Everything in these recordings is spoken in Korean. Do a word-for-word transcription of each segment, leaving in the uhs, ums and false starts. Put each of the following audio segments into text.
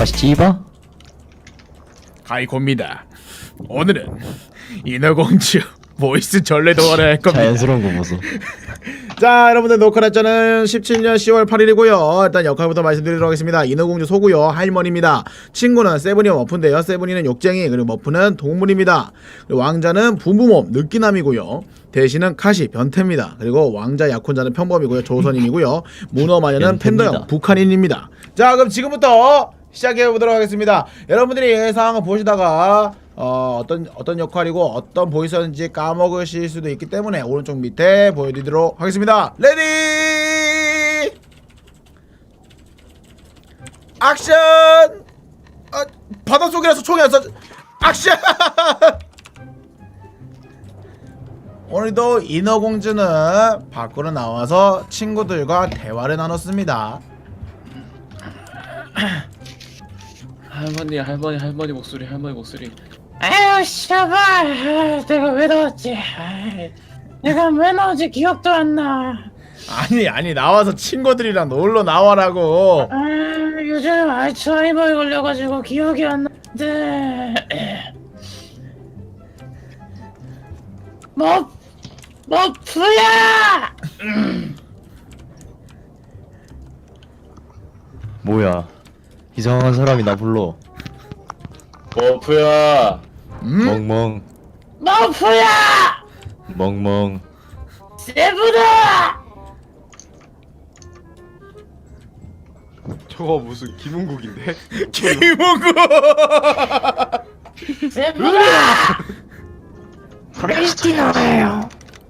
씨바? 가이코입니다. 오늘은 인어공주 보이스 전래동화를 할 겁니다. 자연스러운 거 보소. 자, 여러분들 녹화 날짜는 십칠 년 시월 팔 일이고요. 일단 역할부터 말씀드리도록 하겠습니다. 인어공주 소고요 할머니입니다. 친구는 세븐이와 머프인데요. 세븐이는 욕쟁이, 그리고 머프는 동물입니다. 그리고 왕자는 붐붐업 느끼남이고요. 대신은 카시 변태입니다. 그리고 왕자 약혼자는 평범이고요. 조선인이고요. 문어마녀는 팬더형 북한인입니다. 자, 그럼 지금부터 시작해 보도록 하겠습니다. 여러분들이 상황을 보시다가 어, 어떤 어떤 역할이고 어떤 보이스였는지 까먹으실 수도 있기 때문에 오른쪽 밑에 보여드리도록 하겠습니다. 레디 액션! 아, 바닷속이라서 총이 안 쏴. 액션! 오늘도 인어공주는 밖으로 나와서 친구들과 대화를 나눴습니다. 할머니 할머니 할머니 목소리 할머니 목소리. 아유 씨발, 내가 왜 나왔지? 아이, 내가 왜 나왔지 기억도 안 나. 아니 아니 나와서 친구들이랑 놀러 나와라고. 아, 요즘 알츠하이머에 걸려가지고 기억이 안 나는데. 뭐, 머프야! 뭐야? 이상한 사람이 나 불러. 머프야. 음? 멍멍 머프야! 멍멍. 세븐아! 저거 무슨 김은국인데? 김우구. 세븐아! 크리스티나예요.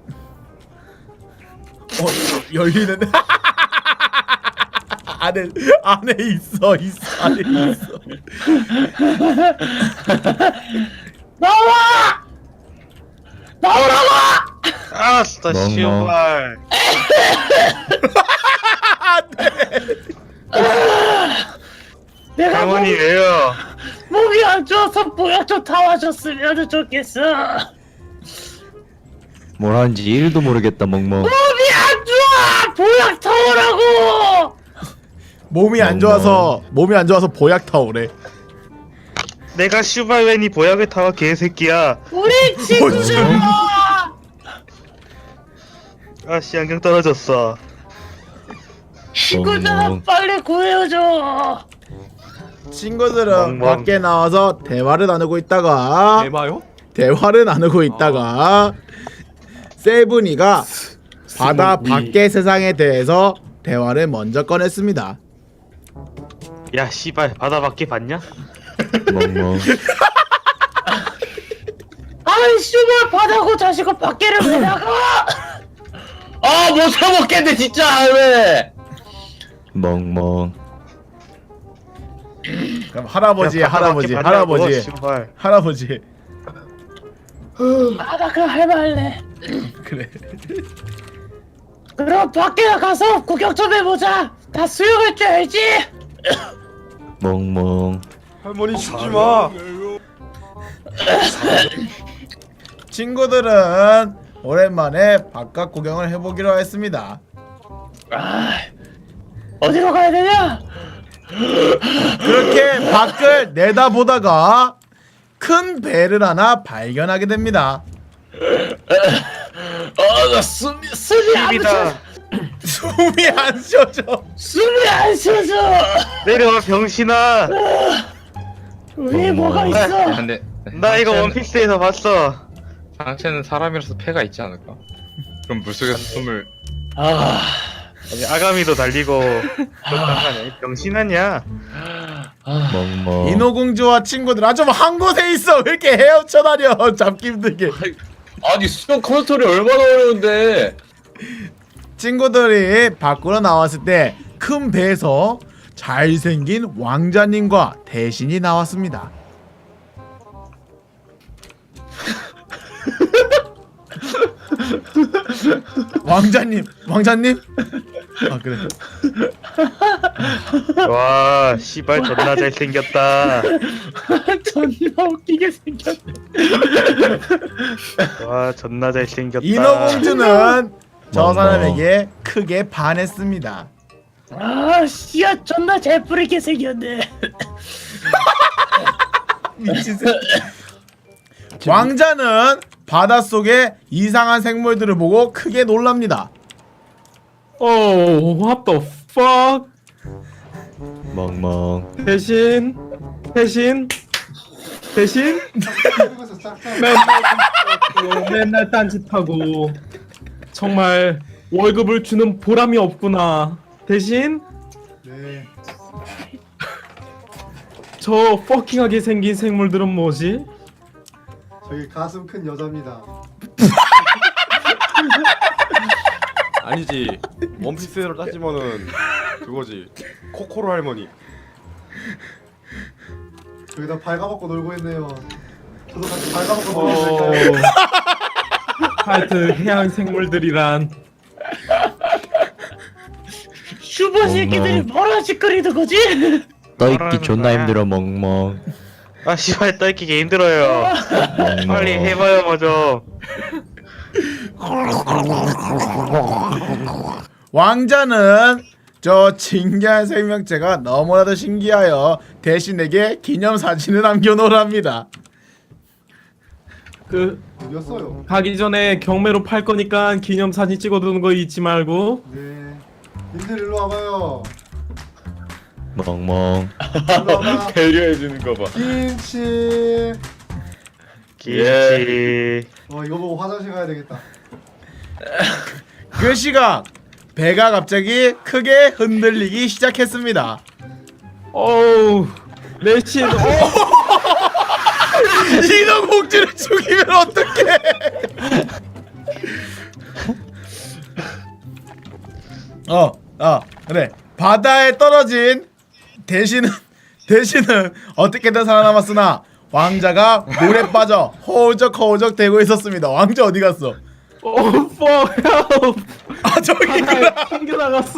어, 열리는. 안에 안에 있어 있어 안에 있어. 나와! 나오라고! 아, 진짜 멍멍. 씨발. 내가 할머니 목이, 왜요? 목이 안 좋아서 보약 좀 타와줬으면 좋겠어. 뭘 하는지 일도 모르겠다 멍멍. 몸이 안 좋아! 보약 타오라고! 몸이 안 좋아서 몸이 안 좋아서 보약 타오래. 내가 슈발웬이 보약을 타와 개새끼야. 우리 친구들! 아씨 안경 떨어졌어. 친구들아 멍멍. 빨리 구해줘. 친구들은 멍멍. 밖에 나와서 대화를 나누고 있다가 대마요? 대화를 나누고 있다가 세븐이가 바다 밖의 세상에 대해서 대화를 먼저 꺼냈습니다. 야 씨발 바다 밖에 봤냐? 멍멍. 아이 씨발 바다고 자식아 밖에를 왜 나가? 아못 참먹겠네 진짜 왜? 멍멍. 그럼 할아버지 야, 바다 할아버지 밖에 봤냐고, 할아버지 씨발. 할아버지 아 나 그럼 할 말래. 그래. 그럼 밖에 나가서 구경 좀 해보자. 다 수영할 줄 알지? 멍멍. 할머니 죽지 마. 친구들은 오랜만에 바깥 구경을 해보기로 했습니다. 아 어디로 가야 되냐? 그렇게 밖을 내다보다가 큰 배를 하나 발견하게 됩니다. 아나 숨이 숨이 안 입이다. 쉬어져. 숨이 안 쉬어져. 숨이 안 쉬어져. 내려와 병신아. 위에 어머. 뭐가 있어? 근데 나 이거 상체는- 원피스에서 봤어. 상체는 사람이라서 폐가 있지 않을까? 그럼 물속에서 숨을 아, 아니, 아가미도 달리고. 그렇다냐 병신 아니야? 아 멍멍. 인어공주와 친구들 아 좀 한 곳에 있어. 왜 이렇게 헤엄쳐 다녀. 잡기 힘들게. 아니 수영 컨트롤이 얼마나 어려운데. 친구들이 밖으로 나왔을 때 큰 배에서 잘생긴 왕자님과 대신이 나왔습니다. 왕자님, 왕자님? 아 그래. 와 씨발 존나 잘생겼다. 존나 웃기게 생겼네. 와 존나 잘생겼다. 인어공주는 저 멍멍. 사람에게 크게 반했습니다. 아 씨야 존나 잘 뿌리게 생겼네. 미친 새끼. 왕자는 바닷속에 이상한 생물들을 보고 크게 놀랍니다. Oh, what the fuck? 멍멍. 대신 대신 대신 맨날 딴짓하고, 맨날 딴짓하고 정말 월급을 주는 보람이 없구나. 대신 네. 저 퍼킹하게 생긴 생물들은 뭐지? 저기 가슴 큰 여자입니다. 아니지 원피스로 따지면은 그거지 코코로 할머니. 저기다 발가벗고 놀고 있네요. 저도 같이 발가벗고 어... 놀고 있을까요? 하여튼 해양 생물들이란 슈퍼 새끼들이 뭐라 짓거리는 거지? 떠있기 존나 힘들어 멍멍. 아 씨발 떠있기 힘들어요. 멍멍. 빨리 해봐요 먼저. 왕자는 저 신기한 생명체가 너무나도 신기하여 대신에게 기념사진을 남겨놓으랍니다. 그 어디였어요? 가기 전에 경매로 팔 거니까 기념사진 찍어두는 거 잊지 말고. 네. 님들 일로 와봐요. 멍멍. 일로 와봐. 배려해주는 거 봐. 김치. 김치. 어 이거 보고 화장실 가야 되겠다. 그 시각 배가 갑자기 크게 흔들리기 시작했습니다. 어우 내신 어, 인어공주를 죽이면 어떡해? 어, 어, 그래. 바다에 떨어진 대신은 대신은 어떻게든 살아남았으나 왕자가 물에 빠져 허우적허우적 대고 있었습니다. 왕자 어디 갔어? 어 fuck help. 아 저기 있구나. 튕겨 나갔어.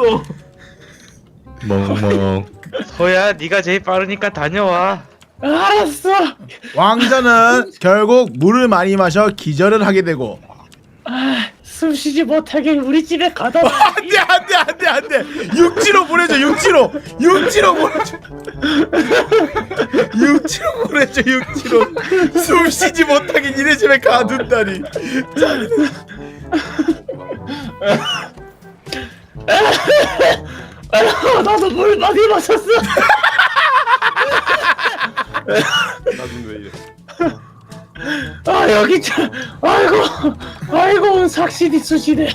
멍멍. 소야 네가 제일 빠르니까 다녀와. 알았어. 왕자는 결국 물을 많이 마셔 기절을 하게 되고 아, 숨쉬지 못하게 우리 집에 가다. 안돼 안돼 안돼 안돼 육지로 보내줘 육지로 육지로 보내줘 육지로 보내줘 육지로 숨 쉬지 못하게 니네 집에 가둔다니. 아, 나도 물 많이 마셨어. 나는 왜 이래? 아 여기 참. 아이고 아이고 삭신이 쑤시네.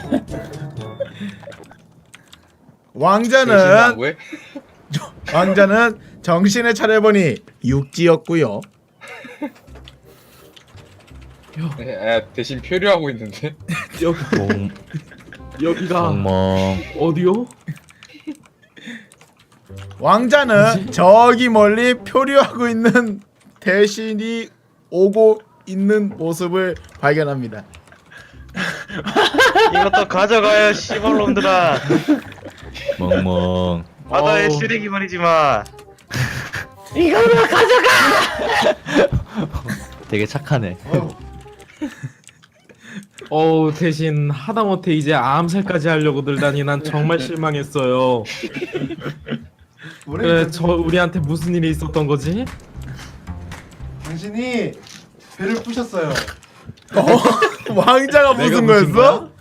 왕자는 왜? 왕자는 정신을 차려보니 육지였고요. 에, 대신 표류하고 있는데. 여기 멍. 여기가 멍멍. 어디요? 왕자는 저기 멀리 표류하고 있는 대신이 오고 있는 모습을 발견합니다. 이것도 가져가요 씨발놈들아. 멍멍. 바다의 어우. 쓰레기 말이지 마. 이거나 가져가. 되게 착하네. 어휴. 어우 대신 하다못해 이제 암살까지 하려고 들다니 난 정말 실망했어요. 그래 저 우리한테 무슨 일이 있었던 거지? 당신이 배를 부셨어요. 어? 왕자가 무슨 내가 부신 거였어?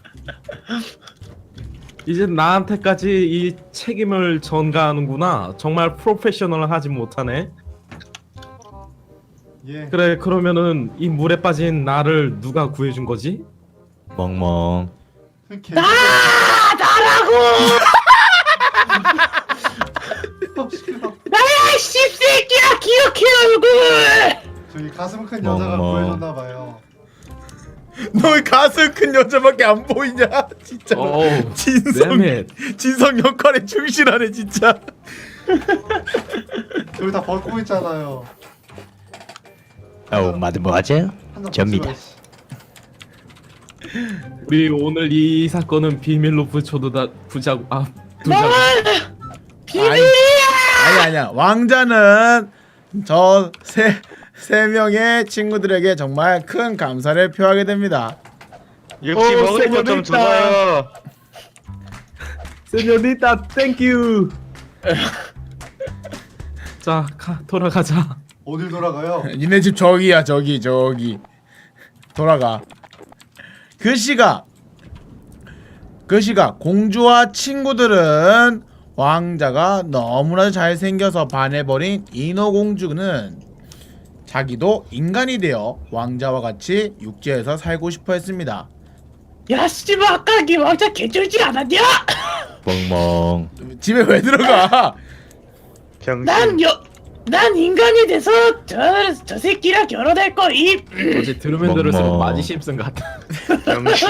이제 나한테까지 이 책임을 전가하는구나. 정말 프로페셔널하지 못하네. 예. 그래 그러면은 이 물에 빠진 나를 누가 구해준 거지? 멍멍. 그 개. 아 나라고. 나야 씹새끼야 기억해 얼굴. 저기 가슴 큰 여자가 어머. 구해줬나 봐요. 너 왜 가슴 큰 여자밖에 안 보이냐? 진짜. 어우 진성 damn 진성 역할에 충실하네 진짜. 저기 다 벗고 있잖아요. 어, 마드모아젤. 한잔 접니다. 벗지 우리 오늘 이 사건은 비밀로 붙여두다 부자고 아 두자고. 아니, 아니 아니야. 왕자는 저 세 세 명의 친구들에게 정말 큰 감사를 표하게 됩니다. 역시 어, 먹을 것 좀 세뇨리타. 주어요. 세뇨리타 땡큐. 자, 가, 돌아가자. 어딜 돌아가요? 니네 집 저기야 저기 저기 돌아가. 그 시각 그 시각 공주와 친구들은 왕자가 너무나 잘생겨서 반해버린 인어공주는 자기도 인간이 되어 왕자와 같이 육지에서 살고 싶어 했습니다. 야 씨발 아까 그 왕자 개쩔지 않았냐? 멍멍. 집에 왜 들어가? 병신. 난 여, 난 인간이 돼서 저, 저 새끼랑 결혼할 거임. 어제 들으면 들을수록 멍멍. 마지 심슨 같아. 병신.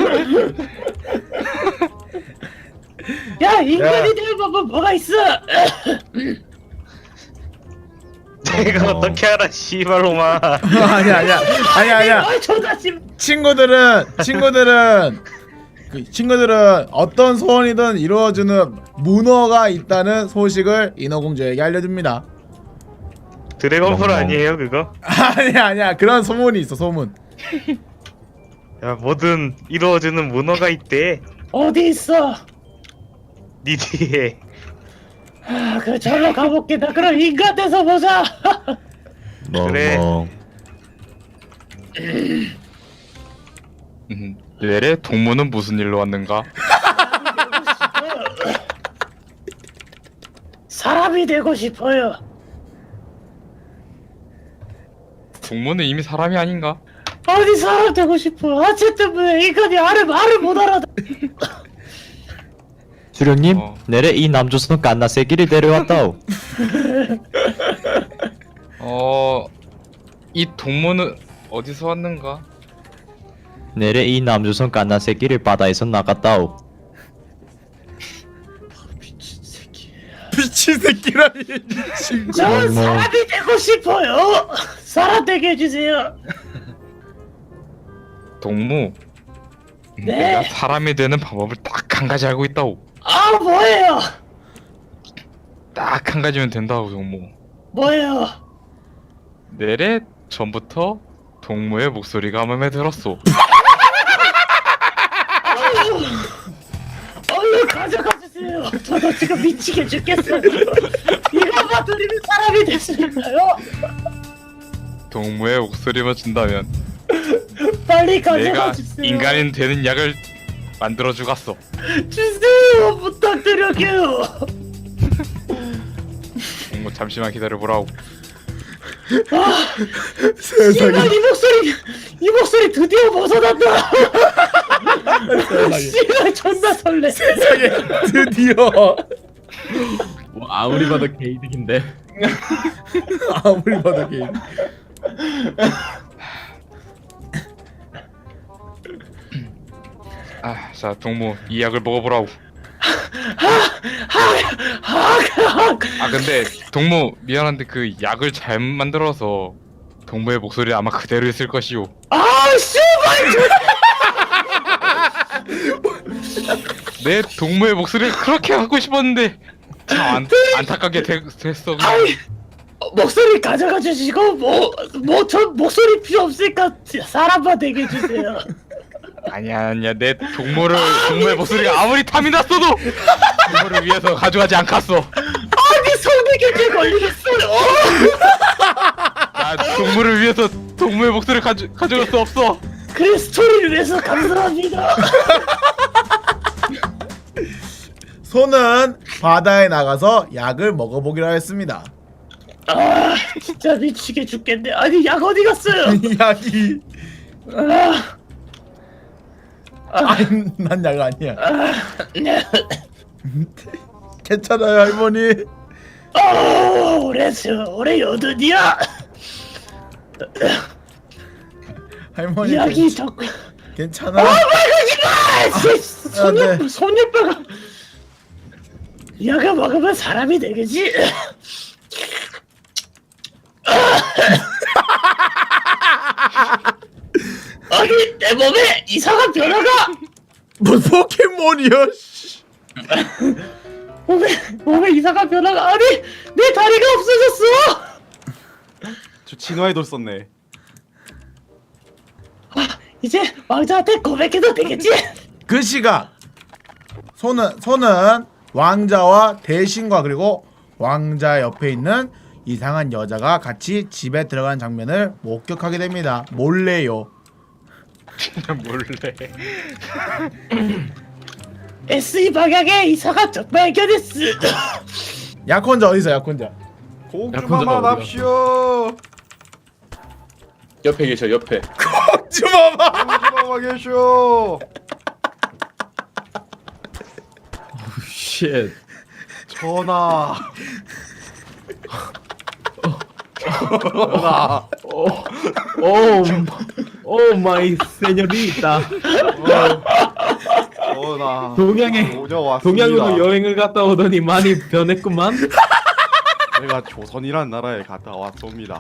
야 인간이 되는 법은 뭐가 있어? 내가 어. 어떻게 알아 씨발로마. 아니야 아니야 아니야 아니야. 아 존나 씨. 친구들은 친구들은 그 친구들은 어떤 소원이든 이루어주는 문어가 있다는 소식을 인어공주에게 알려줍니다. 드래곤풀 멍멍. 아니에요 그거? 아니야 아니야 그런 소문이 있어 소문. 야 뭐든 이루어주는 문어가 있대. 어디 있어? 니 뒤에. 아, 그 절로 가볼게. 나 그럼 인간 돼서 보자. 그래. 멍멍. 음, 내래 동무는 무슨 일로 왔는가? 사람이 되고 싶어요. 동무는 이미 사람이 아닌가? 어디 사람 되고 싶어. 아체 때문에 인간이 아래 말을 못 알아듣. 수령님, 어. 내래 이 남조선 깐나새끼를 데려왔다오. 어... 이 동무는 어디서 왔는가? 내래 이 남조선 깐나새끼를 바다에서 나갔다오. 미친 새끼. 미친 새끼라니 미친. 전 어머. 사람이 되고 싶어요. 사람 되게 해주세요. 동무 음, 네. 내가 사람이 되는 방법을 딱 한 가지 알고 있다오. 아 뭐예요? 딱 한 가지면 된다고 동무. 뭐예요? 내래 전부터 동무의 목소리가 마음에 들었소. 얼른 가져가 주세요. 저도 지금 미치게 죽겠어요. 이거만 들으면 사람이 됐으니까요. 동무의 목소리만 준다면 빨리 가져가 내가 주세요. 인간인 되는 약을 만들어 주갔어. 주세요. 부탁드려요. 동무 잠시만 기다려보라고. 세상에. 씨발 이 목소리 이 목소리 드디어 벗어난다. 씨발 존나 설레. 세상에 드디어 뭐 아무리 봐도 게이득인데. 아무리 봐도 게임. 아, 자 동무 이 약을 먹어보라고. 아 근데 동무 미안한데 그 약을 잘못 만들어서 동무의 목소리 아마 그대로 있을 것이오. 아 씨발. 내 동무의 목소리를 그렇게 하고 싶었는데 참 안, 안타깝게 되, 됐어. 아이 어, 목소리 가져가 주시고 뭐뭐 전 목소리 필요 없으니까 사람만 되게 해주세요. 아니야 아니야 내 동무를 동무의 목소리가 아무리 탐이 났어도 동무를 위해서 가져가지 않겠어. 아니 성대결절 걸리겠어요. 나 동무를 위해서 동무의 목소리를 가져 가져갈 수 없어. 그래 스토리를 위해서 감사합니다. 소는 바다에 나가서 약을 먹어보기로 했습니다. 아 진짜 미치게 죽겠네. 아니 약 어디 갔어요? 이 약이 아, 아니 난 약 아니야. 네. 괜찮아요 할머니. 어 올해 올해 여든이야. 할머니 약이 자꾸 괜찮아. 아 손녀 네. 손녀뼈가 약을 먹으면 사람이 되겠지. 아니 내 몸에 이상한 변화가 뭐 포켓몬이야? 씨. 몸에 몸에 이상한 변화가 아니 내 다리가 없어졌어. 저 진화의 돌 썼네. 이제 왕자한테 고백해도 되겠지? 그 시각 손은 손은 왕자와 대신과 그리고 왕자 옆에 있는 이상한 여자가 같이 집에 들어간 장면을 목격하게 됩니다. 몰래요. 몰래. 에스이 방향에 이사가 적 발견했어. 약혼자 어디서 약혼자? 공주마마 납시오. 옆에 계셔 옆에. 주마마. 공주마마 계쇼. 쉣. 전하. 전하. 오, 오, 오 마이 세뇨리타. 전하. 동양에 오녀왔습니다. 동양으로 여행을 갔다 오더니 많이 변했구만. 내가 조선이란 나라에 갔다 왔습니다.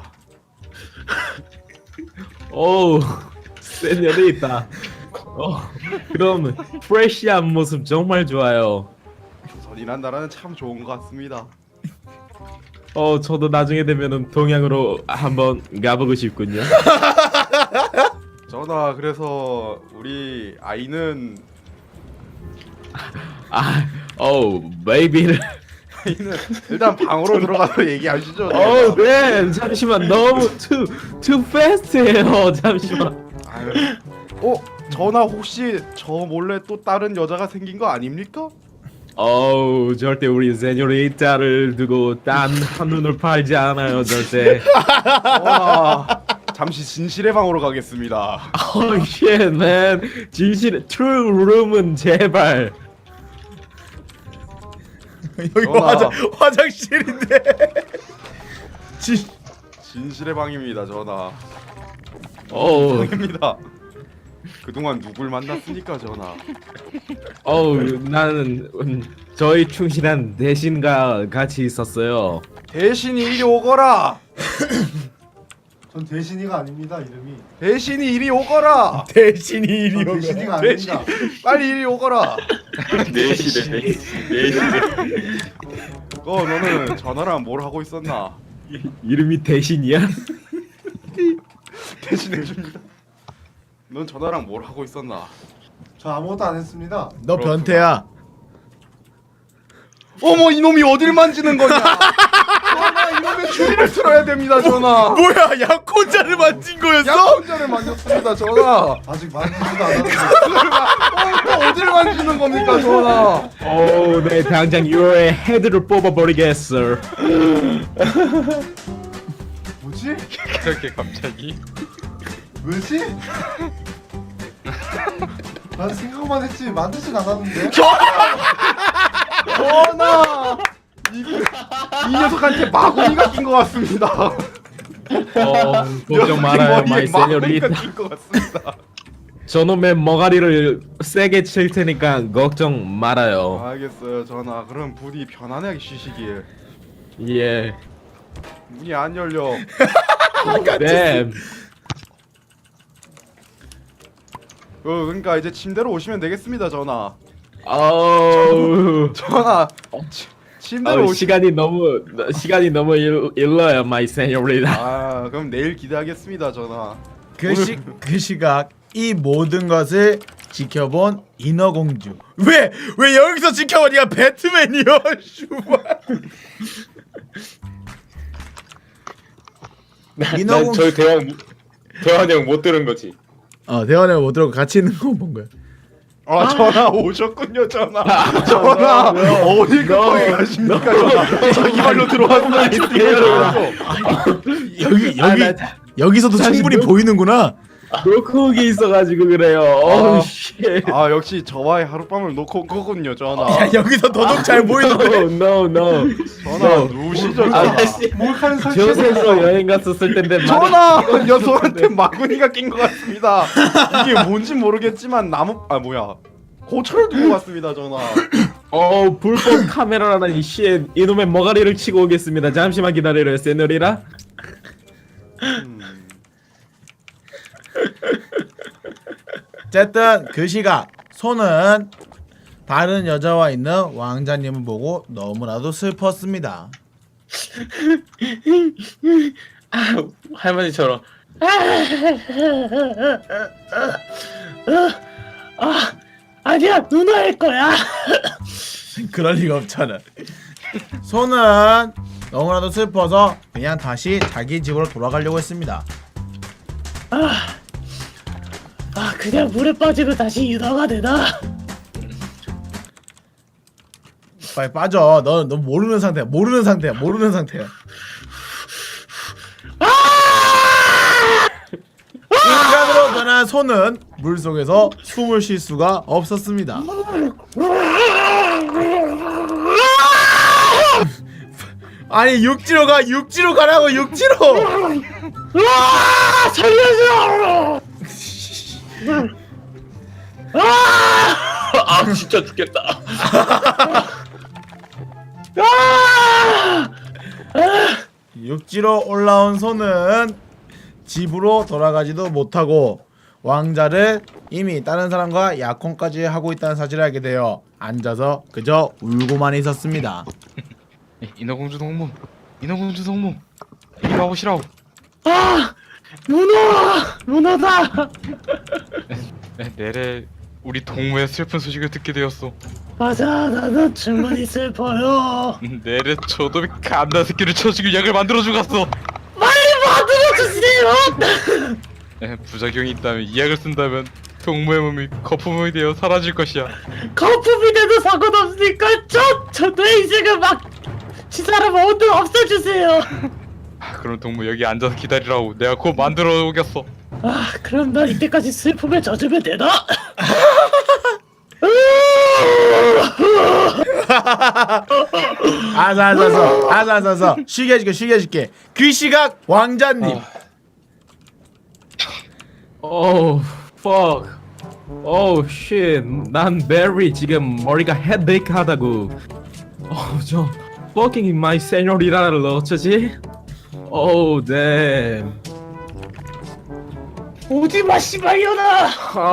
오, 세뇨리타. 어, 그럼 프레시한 모습 정말 좋아요. 조선이란 나라는 참 좋은 것 같습니다. 어, 저도 나중에 되면은 동양으로 한번 가보고 싶군요. 전하, 그래서 우리 아이는 아, 오, 베이비를. 아이는 일단 방으로 들어가서 얘기하시죠. 어, 네, 잠시만 너무 too too fast해요. 잠시만. 아유. 어, 전하 혹시 저 몰래 또 다른 여자가 생긴 거 아닙니까? 어우, 절대 우리 세뇨리타를 두고 딴 한눈을 팔지 않아요, 절대. 전하, 잠시 진실의 방으로 가겠습니다. Oh shit, man. 진실 true room은 제발. 여기 전하. 화장 화장실인데. 진 진실의 방입니다, 전하. 어우, 방입니다. 그동안 누굴 만났습니까, 전하? 어우, 나는 음, 저희 충실한 대신과 같이 있었어요. 대신이 이리 오거라. 전 대신이가 아닙니다 이름이. 대신이 이리 오거라. 대신이 이리 전 오고. 대신이가 아닙니다. 빨리 이리 오거라. 네시네 네시네. 어, 너는 전화랑 뭘 하고 있었나? 이름이 대신이야? 대신해줍니다. 넌 전화랑 뭘 하고 있었나? 저 아무것도 안 했습니다. 너 변태야. 어머, 이놈이 어딜 만지는 거냐? 전화, 이놈의 추리를 틀어야 됩니다, 전화. 뭐야, 약혼자를 만진 거였어? 약혼자를 만졌습니다, 전화. 아직 만지지도 않았는데. 어, 또 어딜 만지는 겁니까, 전화? 오, 네, 당장 유로의 헤드를 뽑아버리겠어. 뭐지? 그렇게 갑자기? 뭐지? 난 생각만 했지 만지진 않았는데. 전화! 이, 이 녀석한테 마구니가 낀 것 같습니다. 어, 걱정 말아요, 마이 세뇨리타. 낀것 같습니다. 저놈의 머가리를 세게 칠 테니까 걱정 말아요. 알겠어요, 전화. 그럼 부디 편안하게 쉬시길. 예. 문이 안 열려. 네. 어, 그러니까 이제 침대로 오시면 되겠습니다, 전화. 어우. 전화. 치, 침대로 어우, 오시. 시간이 너무 시간이 너무 일, 일러요, 마이 세뇨리타. 아, 그럼 내일 기대하겠습니다, 전화. 그 시 그 시각 이 모든 것을 지켜본 인어공주. 왜 왜 여기서 지켜봐? 네가 배트맨이야, 슈발. 난 인어공- 저희 대화 대화 내용 못 들은 거지. 어, 대화를 못 들었고 같이 있는 거 본 거야. 아, 전화 오셨군요, 전화. 전화 어디 급하게 가십니까, 전화? 자기 발로 들어왔나? 여기 아, 여기 나- 여기서도 사실 충분히 뭐- 보이는구나. 노크옥이 있어가지고 그래요. 어우 씨. 아, 역시 저와의 하룻밤을 놓고 온 거군요, 전화. 야, 여기서 더더욱 잘 보이는데. No, no, no. 전화 누우시죠, 아, 전화. 씨. 몰카는 설치해. 저세로 여행 갔었을 텐데 많이- 전화 녀석한테 마구니가 낀 것 같습니다. 이게 뭔지 모르겠지만 나무 아 뭐야 고철을 두고 갔습니다, 전화. 어, 불법 카메라라는 씨 이놈의 머가리를 치고 오겠습니다. 잠시만 기다려요, 세노리라. 음, 어쨌든 그 시각 손은 다른 여자와 있는 왕자님을 보고 너무나도 슬펐습니다. 아, 할머니처럼. 아, 아, 아니야 누나일 거야. 그럴 리가 없잖아. 소는 너무나도 슬퍼서 그냥 다시 자기 집으로 돌아가려고 했습니다. 아 그냥 물에 빠지면 다시 유나가 되나? 빨리 빠져. 너, 너 모르는 상태야. 모르는 상태야. 모르는 상태야. 인간으로 변한 소는 물 속에서 숨을 쉴 수가 없었습니다. 아니 육지로 가. 육지로 가라고. 육지로. 아 살려줘. 아 진짜 죽겠다. 육지로 올라온 소는 집으로 돌아가지도 못하고 왕자를 이미 다른 사람과 약혼까지 하고 있다는 사실을 알게 되어 앉아서 그저 울고만 있었습니다. 인어공주 동무, 인어공주 동무, 이리 와보시라고. 아 문어 문어다. 네, 내래 우리 동무의 슬픈 소식을 듣게 되었소. 맞아 나도 충분히 슬퍼요. 내래 저놈이 갓나 새끼를 쳐 죽일 약을 만들어 주갔어. 빨리 만들어주세요. 네, 부작용이 있다면 이 약을 쓴다면 동무의 몸이 거품이 되어 사라질 것이야. 거품이 돼도 상관없으니까 저저내 인생을 막 시사람 모두 없애주세요. 아, 그럼 동무 여기 앉아서 기다리라고. 내가 곧 만들어 오겠어. 아 그럼 난 이때까지 슬픔에 젖으면 되나? 아사아사서 아사아사서 쉬게 해줄게 쉬게 해줄게. 그 시각 왕자님. 오, fuck. 오, shit. 난 베리 지금 머리가 헤데이크 하다고. 어, 저 fucking my señorita를 어쩌지? 오, damn. 오지마 씨발려나.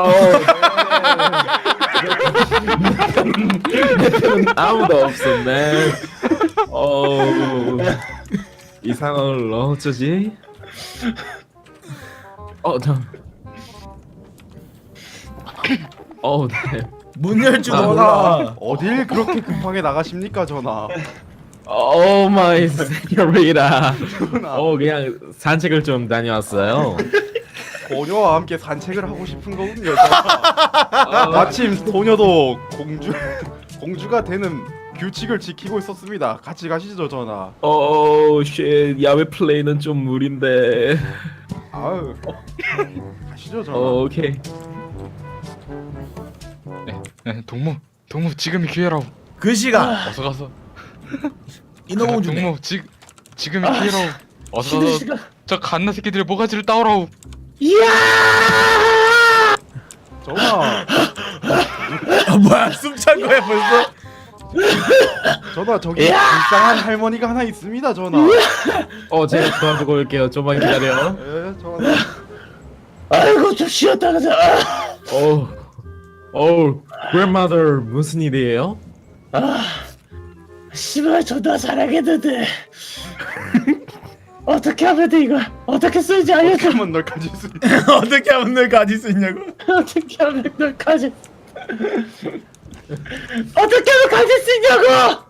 내 편은 아무도 없어, man. 오, 이 상황을 어쩌지? 어, 저. 어, 네. 문 열 줄도 아, 몰라. 어딜 그렇게 급하게 나가십니까 전하? 오 마이 세뇨리타. 전하. 어, 그냥 산책을 좀 다녀왔어요. 소녀와 함께 산책을 하고 싶은 거군요. 전하. 마침 소녀도 공주 공주가 되는 규칙을 지키고 있었습니다. 같이 가시죠 전하. 오, 쉣. 야외 플레이는 좀 무리인데. 아유 가시죠 전하. 어, 오케이. 네, 동무, 동무 지금이 기회라고. 그 시각 어서 가서. 인어공주네. 동무 지 지금이 기회라고. 어서 쉬는 가서 시간. 저 갓나 새끼들의 모가지를 따오라고. 이야. 전하 아, 뭐야 숨찬 거야 벌써? 전하 저기 불쌍한 할머니가 하나 있습니다 전하. 어, 제가 도와주고 올게요. 좀만 기다려. 예 전하. 아이고 좀 쉬었다 가자. 어, 어, grandmother 무슨 일이에요? 아 씨발 존나 잘하겠는데. 어떻게 하면 돼 이거? 어떻게 쓰는지 알려줘. 한번 널 가질 수 있. 어떻게 하면 널 가질 수 있냐고? 어떻게 하면 널 가질 어떻게 하면 가질 수 있냐고.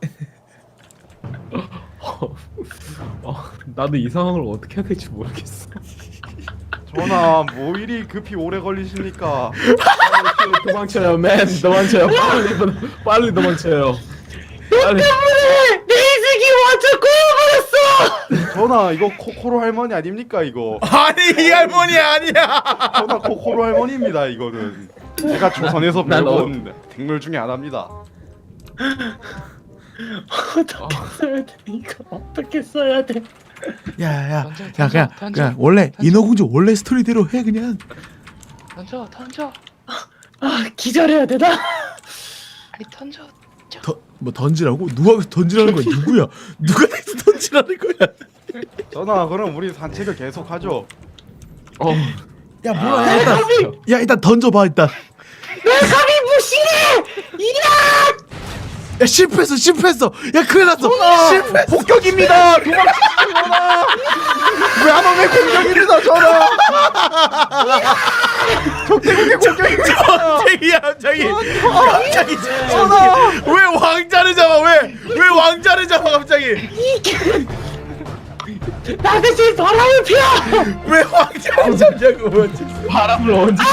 어, 어, 나도 이 상황을 어떻게 해야 될지 모르겠어. 전하 뭐 이리 급히 오래 걸리십니까? 어, 도망쳐요, 맨. 도망쳐요. 빨리, 도- 빨리 도망쳐요. 빨리. 내 인생이 완전 꼬여버렸어. 전하 이거 코코로 할머니 아닙니까 이거? 아니 이 할머니 아니야. 전하 코코로 할머니입니다 이거는. 제가 조선에서 난 어- 배운 생물 중에 하나입니다. 어떻게 써야 돼 이거? 어떻게 써야 돼? 야야 야 그냥 그냥 원래 인어공주 원래 스토리대로 해 그냥. 던져, 던져. 아 기절해야 되나? 아니 던져. 더, 뭐 던지라고? 누가 던지라는 거야? 누구야? 누가 여기서 던지라는 거야? 전하 그럼 우리 산책을 계속하죠. 어, 야 뭐야? 야, 일단 야 일단 던져봐 일단. 내 감히 무시해! 이야! 야 실패했어 실패했어. 야 큰일 났어. 실패. 폭격입니다. 도망치세요 전하. 왜안 오면 공격입니다 전하. 적대국의 공격입니다. 갑자기야 갑자기. 갑자기 전화. 왜 왕자를 잡아 왜? 왜 왕자를 잡아 갑자기? 나 대신 바람을 피워. 왜 왕자를 잡냐고. 바람을 언제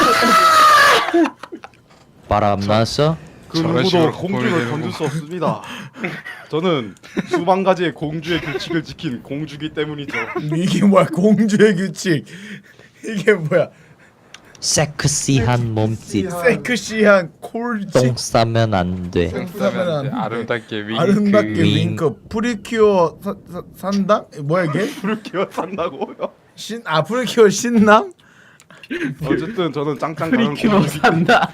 바람 났어? 그 저런 누구도 식으로 공주를 거의 건들 수 없습니다. 저는 수만 가지의 공주의 규칙을 지킨 공주기 때문이죠. 이게 뭐야 공주의 규칙. 이게 뭐야 섹시한 몸짓. 섹시한 콜직. 똥 싸면 안 돼. 싸면 안 돼. 아름답게 윙크. 아름답게 윙. 윙크. 프리큐어 사, 사, 산당? 뭐야 이게? 불을 기어산다고요? 신 아 프리큐어 신남? 어쨌든 저는 짱짱 가는 프리큐어 공주기 산다.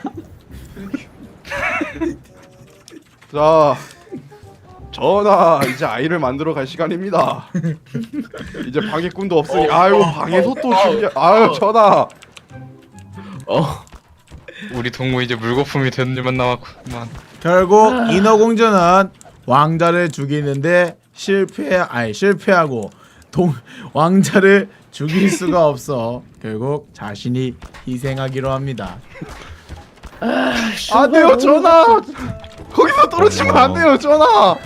자, 전하 이제 아이를 만들어 갈 시간입니다. 이제 방해꾼도 없으니 아유 방에서 또 준비. 아유 전하. 어 우리 동무 이제 물거품이 되는 일만 남았구만. 결국 인어공주는 왕자를 죽이는데 실패 아니 실패하고 동 왕자를 죽일 수가 없어 결국 자신이 희생하기로 합니다. 안 돼요 전하. 거기서 떨어지면 안 돼요 전하.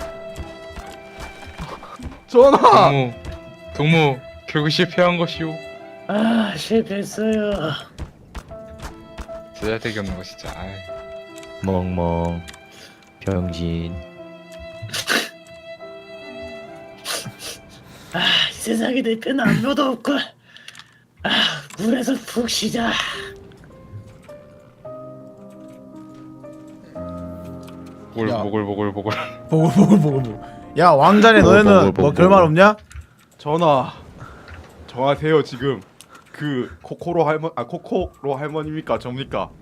전하. 동무, 동무 결국 실패한 것이오. 아 실패했어요. 쓰잘데기 없는 거 진짜. 아이. 멍멍. 병신. 아 이 세상에 내 편 아무도 없고. 아 물에서 푹 쉬자. 보글 야. 보글 보글 보글. 보고 보고 보고 보고. 야 왕자네 보고, 너네는 보고, 뭐 보고. 결말 없냐? 전하. 정하세요 지금. 그 코코로 할머 아 코코로 할머니입니까 접니까?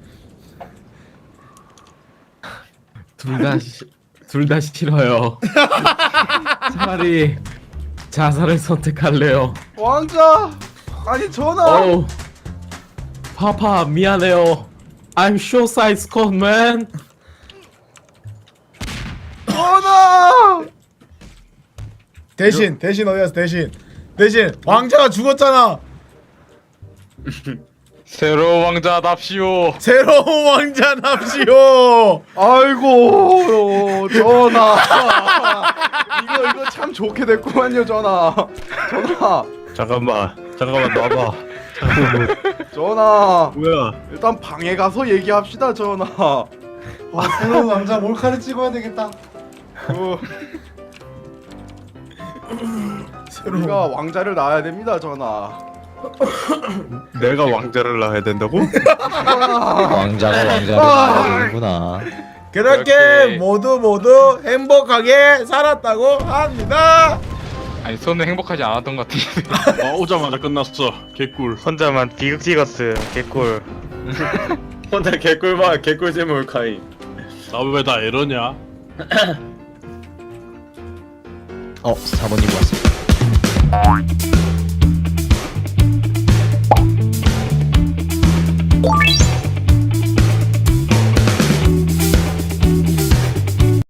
둘 다 싫어요. 차라리 자살을 선택할래요. 왕자. 아니 전하. 어 파파 미안해요. I'm sure size code man. 전하. 대신 대신 어디 갔어 대신 대신 왕자가 죽었잖아. 새로운 왕자답시오. 새로운 왕자 납시오. 아이고 전하. 이거 이거 참 좋게 됐구만요 전하. 전하. 잠깐만 잠깐만 놔봐. 전하. 뭐야? 일단 방에 가서 얘기합시다 전하. 와 새로운 왕자 몰카를 찍어야 되겠다. 그 새로운 우리가 왕자를 낳아야 됩니다 전하. 내가 왕자를 낳아야 된다고? 왕자가 왕자를 낳는구나. 그렇게 이렇게. 모두 모두 행복하게 살았다고 합니다. 아니 손은 행복하지 않았던 것 같은데. 어, 오자마자 끝났어. 개꿀. 혼자만 비극 찍었어. 개꿀. 혼자 개꿀봐 개꿀잼 몰카이. 나 왜 다 이러냐? 어 사모님 왔습니다.